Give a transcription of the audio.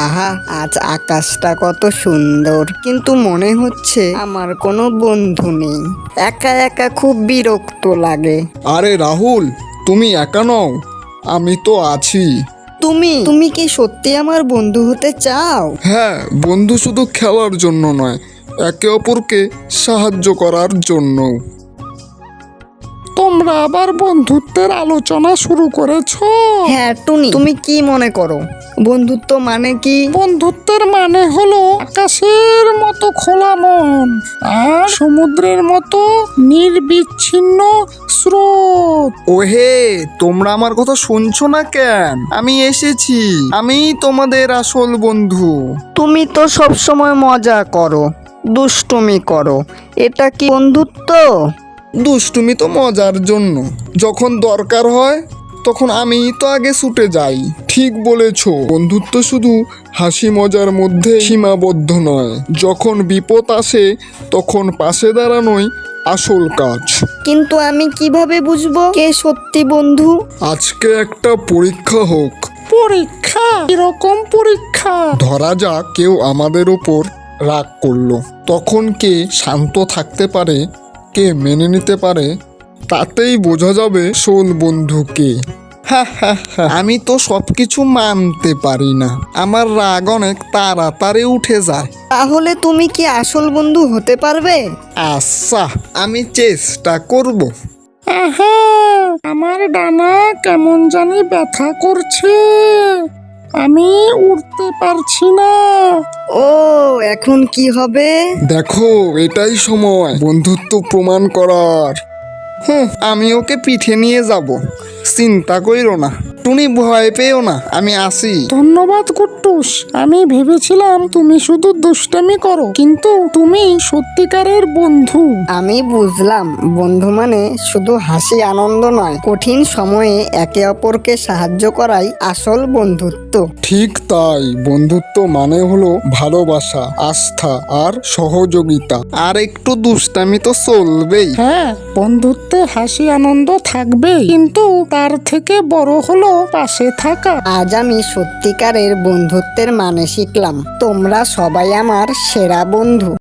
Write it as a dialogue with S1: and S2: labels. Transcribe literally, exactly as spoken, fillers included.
S1: আহা, আজ আকাশটা কত সুন্দর, কিন্তু মনে হচ্ছে আমার কোনো বন্ধু নেই। একা একা খুব বিরক্ত লাগে।
S2: আরে রাহুল, তুমি একা নও, আমি তো আছি।
S1: তুমি তুমি কি সত্যি আমার বন্ধু হতে চাও?
S2: হ্যাঁ, বন্ধু শুধু খেলার জন্য নয়, একে অপরকে সাহায্য করার জন্য। তোমরা আবার বন্ধুত্বের আলোচনা শুরু করেছো?
S1: হ্যাঁ টুনি, তুমি কি মনে করো বন্ধুত্ব মানে কি?
S2: বন্ধুত্বের মানে হলো আকাশের মতো খোলা মন আর সমুদ্রের মতো নির্বিচ্ছিন্ন স্রোত। ওহে, তোমরা আমার কথা শুনছো না কেন? আমি এসেছি, আমি তোমাদের আসল বন্ধু।
S1: তুমি তো সব সময় মজা করো, দুষ্টুমি করো, এটা কি বন্ধুত্ব?
S2: দুষ্টুমি তো মজার জন্য, যখন দরকার হয় তখন আমি তো আগে ছুটে যাই। ঠিক বলেছো, বন্ধুত্ব শুধু হাসি মজার মধ্যে সীমাবদ্ধ নয়। যখন বিপদ আসে তখন পাশে দাঁড়ানোই আসল কাজ।
S1: কিন্তু আমি কিভাবে বুঝবো কে সত্যি বন্ধু?
S2: আজকে একটা পরীক্ষা হোক। পরীক্ষা? এরকম পরীক্ষা? ধরা যাক কেউ আমাদের উপর রাগ করলো, তখন কে শান্ত থাকতে পারে, কে মেনে নিতে পারে, তাতেই বোঝা যাবে আসল বন্ধু কে। আমি তো সবকিছু মানতে পারি না, আমার রাগ অনেক তাড়াতাড়ি উঠে যায়।
S1: তাহলে তুমি কি আসল বন্ধু হতে পারবে?
S2: আচ্ছা, আমি চেষ্টা করব। আহা, আমার ডানা কেমন জানি ব্যথা করছে, আমি উঠতে পারছি না।
S1: ও, এখন কি হবে?
S2: দেখো, এটাই সময় বন্ধুত্ব প্রমাণ করার। হুম, আমি ওকে পিঠে নিয়ে যাব, চিন্তা কইরো না। টুনি, ভয় পেও না, আমি আসি। ধন্যবাদ কুট্টুস, আমি ভেবেছিলাম তুমি শুধু দুষ্টামি করো, কিন্তু তুমি সত্যিকারের বন্ধু।
S1: আমি বুঝলাম, বন্ধু মানে শুধু হাসি আনন্দ নয়, কঠিন সময়ে একে অপরকে সাহায্য করাই আসল বন্ধুত্ব।
S2: ঠিক তাই, বন্ধুত্ব মানে হলো ভালোবাসা, আস্থা আর সহযোগিতা। আর একটু দুষ্টামি তো চলবেই। হ্যাঁ, বন্ধুত্বে হাসি আনন্দ থাকবে, কিন্তু তার থেকে বড় হলো পাশে থাকা।
S1: আজ আমি সত্যিকারের বন্ধুত্বের মানে শিখলাম। তোমরা সবাই আমার সেরা বন্ধু।